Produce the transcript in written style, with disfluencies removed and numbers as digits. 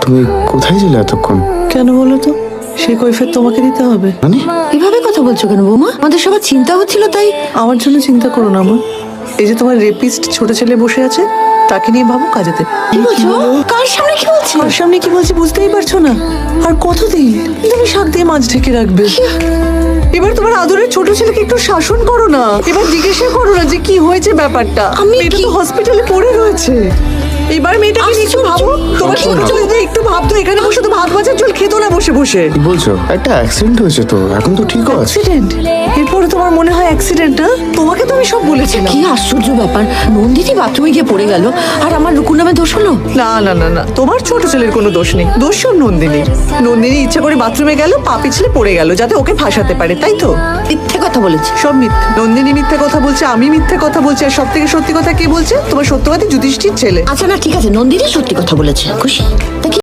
তুমি কোথায় ছিলে এতক্ষণ? কেন বলো তো? সেই কৈফিয়ত তোমাকে দিতে হবে? মানে এভাবে কথা বলছো কেন বৌমা? আমাদের সবার চিন্তা হচ্ছিল তাই। আমার জন্য চিন্তা করো না মা। এই যে তোমার রেপিস্ট ছোট ছেলে বসে আছে, তাকে নিয়ে ভাবো কাজেতে। কি বলছো? কার সামনে কি বলছো? আর সামনে কি বলছি বুঝতেই পারছো না? আর কতদিন তুমি শাক দিয়ে মাছ ঢেকে রাখবে? এবার তোমার আদরের ছোট ছেলেকে একটু শাসন করো না। এবার জিজ্ঞাসা করো না যে কি হয়েছে ব্যাপারটা। মেয়েটা তো হসপিটালে পড়ে রয়েছে। এবার মেয়েটাকে নিয়ে একটু ভাবো। তোমার ছোট ছেলে যদি একটু ভাবতো, এখানে বসে তো ভাত ভাজার জল খেতো না বসে বসে। কি বলছো? একটা অ্যাক্সিডেন্ট হয়েছে তো, এখন তো ঠিকও আছে। অ্যাক্সিডেন্ট? এরপরে তোমার মনে হয় অ্যাক্সিডেন্ট? না, তোমাকে তো আমি সব বলেছিলাম। কি আশ্চর্য ব্যাপার, নন্দিনী বাথরুমে গিয়ে পড়ে গেল আর আমার রুকুর নামে দোষ হলো? না না না না, তোমার ছোট ছেলের কোনো দোষ নেই, দোষ সব নন্দিনী। নন্দিনী ইচ্ছা করে বাথরুমে গেল, পা পিছলে পড়ে গেল যাতে ওকে ফাঁসাতে পারে, তাই তো? মিথ্যে কথা বলেছে। সব মিথ্যে। নন্দিনী মিথ্যে কথা বলছে, আমি মিথ্যে কথা বলছি, আর সব থেকে সত্যি কথা কে বলছে? তোমার সত্যবাদী যুধিষ্ঠির ছেলে। আচ্ছা না, ঠিক আছে, নন্দিনী সত্যি কথা বলেছে, খুশি? তা কি